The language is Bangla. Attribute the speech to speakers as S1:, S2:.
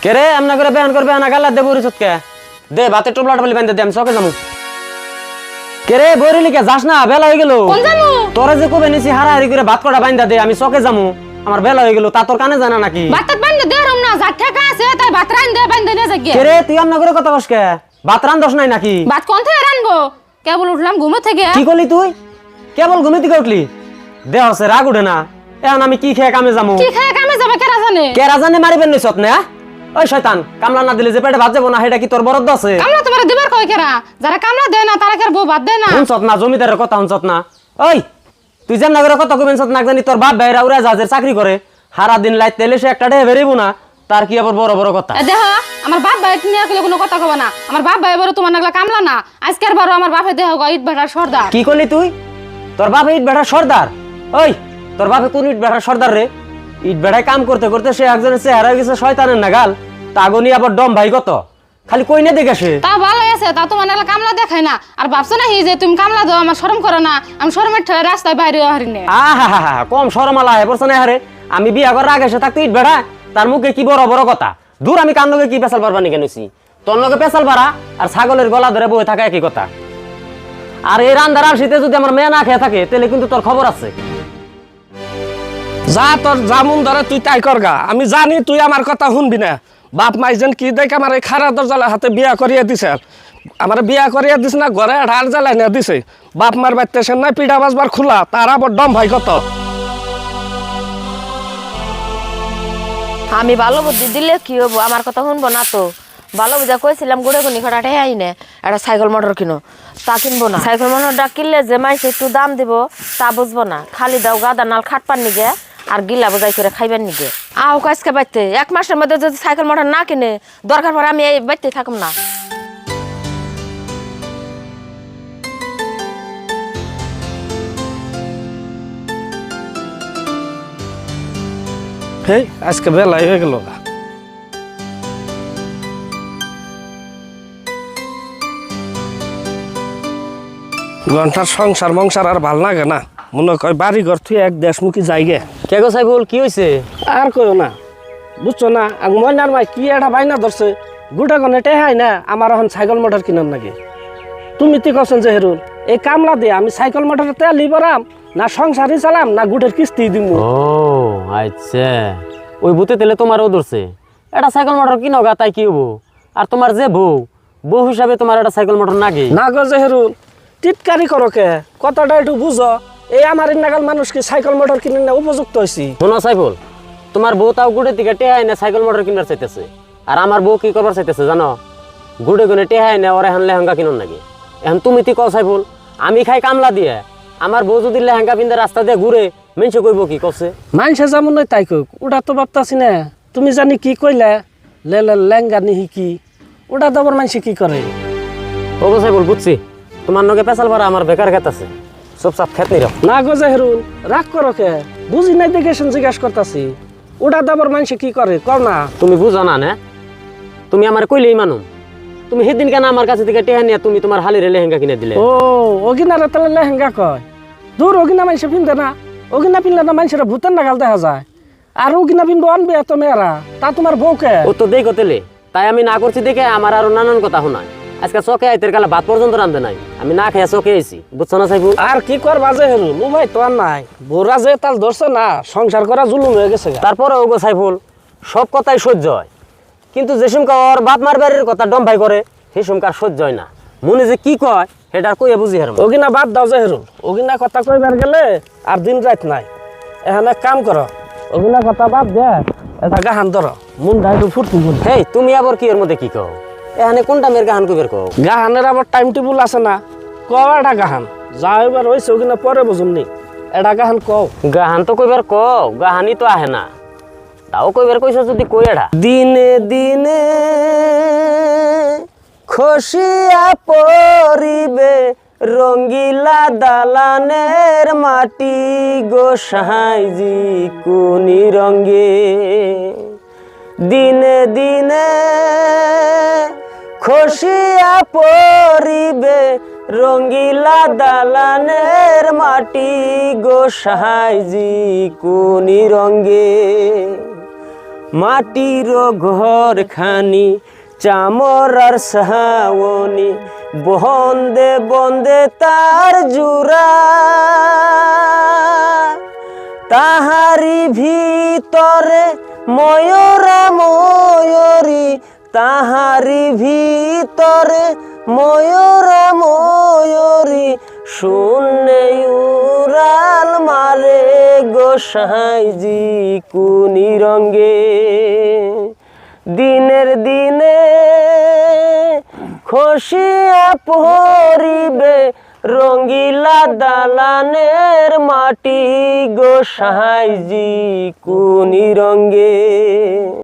S1: কে রে আমনা করে বেহান করবে না গালা দে বরিছত কে দে ভাতে টোপলাটা বলি বান্ধে দে আমি চকে যামু কে রে বরিলি কে যাস না বেলা হয়ে গেল
S2: কোন জামু
S1: তোরে যে কবে নিছি হারাহারি করে ভাত কটা বান্ধা দে আমি চকে যামু আমার বেলা হয়ে গেল তা তোর কানে জানা নাকি
S2: ভাত বান্ধে দে রম না যা ঠেকা আছে তাই ভাত রান দে বান্ধে নে জাগে
S1: কে রে তুই আমনা করে কথা কস কে ভাত রান দস নাই নাকি
S2: ভাত কোন থেকে রানবো কেবল উঠলাম ঘুম থেকে
S1: কি করলি তুই কেবল ঘুমে থেকে উঠলি দে হসে রাগ উঠে না এখন আমি কি খেয়ে কামে যামু
S2: কি খায় কামে যাবে কেরা জানে
S1: কে রাজানে মারিবেন নইছত না ওই শয়তান কামলা না দিলে যে পেটে ভাত যাবো না সেটা কি তোর বরাদ্দ আছে
S2: কামলা তোমার দিবার কই কেরা যারা কামলা দেয় না তারা কের বউ ভাত দেয় না
S1: হুনছত না জমিদারের কথা হুনছত না ওই তুই যেন নগরের কথা কইবেন সত না জানি তোর বাপ ভাইরা উড়া জাহাজের চাকরি করে সারা দিন লাইট তেলে সে একটা ডে বেরিব না তার কি আবার বড় বড় কথা
S2: দেহ আমার বাপ ভাই নিয়ে কইলে কোনো কথা কব না আমার বাপ ভাই বড় তোমার নাগলা কামলা না আজকের বড় আমার বাপে দেহ ইট ভাটার সর্দার
S1: কি করলি তুই তোর বাপ ইট বেড়া সর্দার ওই তোর বাপে কোন ইট বেড়া সর্দার রে ইট বেড়ায় কাম করতে করতে সে একজনের চেহারা হয়ে গেছে শয়তানের নাগাল তাগনি আবার ডম ভাই কত খালি কই না দেখে সে
S2: তা ভালো আছে তা তোমার নাগলা কামলা দেখায় না আর ভাবছো না যে তুমি কামলা দাও আমার শরম করো না আমি শরমের ঠেলে রাস্তায় বাইরে হারিনে
S1: আহা কম শরমালা হে পড়ছে না হারে আমি বিয়া করার আগে সে থাকতে ইট বেড়া তার মুখে কি বড় বড় কথা দূর আমি কান লগে কি পেশাল পারবা নি কেনছি তোর লগে পেশাল পারা আর ছাগলের গলা ধরে বয়ে থাকা একই কথা আর এই রান্দার আর শীতে যদি আমার মেয়ে না খেয়ে থাকে তাহলে কিন্তু তোর খবর আছে
S3: যা তোর জামুন ধরে তুই তাই করগা আমি জানি তুই আমার কথা শুনবি না বাপ মাইজন কি দেখ আমার এই খারা দরজালা হাতে বিয়া করিয়ে দিছে আমার বিয়া করিয়ে দিস না ঘরে ঢাল জ্বালাই না দিছে বাপ মার বাড়িতে সে নাই পিঠা বাজবার খোলা তার আবার ডম ভাই কত
S4: আমি ভালো বুদ্ধি দিলে কি হবো আমার কথা শুনবো না তো ভালো বুঝা কইছিলাম গুড়ে গুনি খটাটে আই না একটা সাইকেল মোটর কিনো তা কিনবো না সাইকেল মোটরটা কিনলে যে মাইসে একটু দাম দিব তা বুঝবো না খালি দাও গাদা নাল খাটপার নিগে আর গিলা বোঝাই করে খাইবার নিগে আও কাজকে বাইতে এক মাসের মধ্যে যদি সাইকেল মোটর না কিনে দরকার পড়ে আমি এই বাইতে থাকুম না
S3: হেই আজকে বেলাই হয়ে গেল গা ঘন্টার সংসার মংসার আর ভাল লাগে না মনে কয় বাড়ি ঘর তুই এক দেশমুখী যাইগে
S1: কে গো সাইফুল কি হইছে
S3: আর কইও না বুঝছো না আগ ময়নার মাই কি একটা বাইনা ধরছে গোটা গনে টেহাই না আমার এখন সাইকেল মোটর কিনার নাকি তুমি তি কছেন যে হেরুল এই কামলা দিয়ে আমি সাইকেল মোটরের তেল লিবরাম না সংসারই চালাম না গুটের কিস্তি দিব
S1: ও আচ্ছা ওই ভূতে তেলে তোমারও ধরছে এটা সাইকেল মোটর কিনো গা তাই কি হবো আর তোমার যে বউ হিসাবে তোমার একটা সাইকেল মোটর নাগে
S3: না গো যে হেরুল টিটকারি করো কে কথাটা একটু বুঝো এই আমার নাগাল মানুষ কি সাইকেল মোটর কিনে না উপযুক্ত হয়েছি
S1: শোনো সাইফুল তোমার বউ তাও গুড়ে থেকে টেহাই না সাইকেল মোটর কিনার চাইতেছে আর আমার বউ কি করবার চাইতেছে জানো গুড়ে গুনে টেহাই না ওরা এখন লেহেঙ্গা কিনুন নাকি এখন তুমি তি কও সাইফুল আমি খাই কামলা দিয়ে আমার বউ যদি লেহেঙ্গা পিন্ধে রাস্তা দিয়ে ঘুরে মেনসে কইব কি কছে
S3: মানুষে যেমন নয় তাই কোক ওটা তো ভাবতাছি না তুমি জানি কি কইলে লেঙ্গা নিহি কি ওটা তো আবার মানুষে কি করে
S1: ও গো সাইফুল বুঝছি তোমার নগে পেশাল ভরা আমার বেকার খেত আছে সব সাপ খেত নির
S3: না গো জাহেরুল রাগ করো কে বুঝি নাই দেখে জিজ্ঞাসা করতাছি ওটা তো আবার মানুষে কি করে কর না
S1: তুমি বুঝো না তুমি আমার কইলেই মানু তুমি সেদিন কেন আমার কাছে থেকে টেহা নিয়ে তুমি তোমার হালিরে লেহেঙ্গা কিনে দিলে
S3: ও ওগিনারে তাহলে লেহেঙ্গা কয় দূর ওগিনা মানুষে পিনতে না ওগিনা পিনলে না মানুষের ভূতের নাগাল দেখা যায় আর ওগিনা পিনবো আনবে এত মেয়েরা তা তোমার বউকে
S1: ও তো দেই কতেলে তাই আমি না করছি দেখে আমার আরো নানান কথা শোনায় আজকে চকে আইতের কালে ভাত পর্যন্ত রান্ধে নাই আমি না খেয়ে চকে আইছি বুঝছো না সাইফুল
S3: আর কি করবা যে হেরু ও ভাই তো আর নাই বোরা যে তাল ধরছে না সংসার করা জুলুম হয়ে গেছে
S1: তারপরে ওগো সাইফুল সব কথাই সহ্য হয় কিন্তু যে সুমকা ওর বাপ মার বাড়ির কথা ডম ভাই করে সেই সুমকার সহ্য হয় না মনে যে কি কয় সেটা কইয়া বুঝি হার
S3: ওগিনা বাদ দাও যে হেরু ওগিনা কথা কইবার গেলে আর দিন রাত নাই এখানে কাম করো ওগিনা কথা বাদ দে এটা গাহান ধরো মন একটু ফুর্তি করো
S1: হেই তুমি আবার কি এর মধ্যে কি কও এখানে কোনটা মেয়ের গাহান কইবের কও
S3: গাহানের আবার টাইম টেবিল আছে না কও এটা গাহান যা এবার হয়েছে ওগিনা পরে বুঝুননি এটা গাহান কও
S1: গাহান তো কইবার কও গাহানি তো আহে না তাও কইবার কইছ যদি কই এডা দিনে দিনে খসিয়া পরিবে রঙ্গিলা দালানের মাটি গোসাইজি কোনি রঙ্গে দিনে দিনে খসিয়া পরিবে রঙ্গিলা দালানের মাটি গোসাইজি কোনি রঙ্গে মাটির ঘর খানি চামরার সাওনি বন্দে বন্দে তার জুরা তাহারি ভিতরে ময়ূরা ময়ূরী তাহারি ভিতরে ময়ূরা ময়ূরী শূন্যে উড়াল মারে গোসাইজি কুনি রঙ্গে দিনের দিনে খসিয়া পরিবে রঙ্গিলা দালানের মাটি গোসাইজি কুনি রঙ্গে।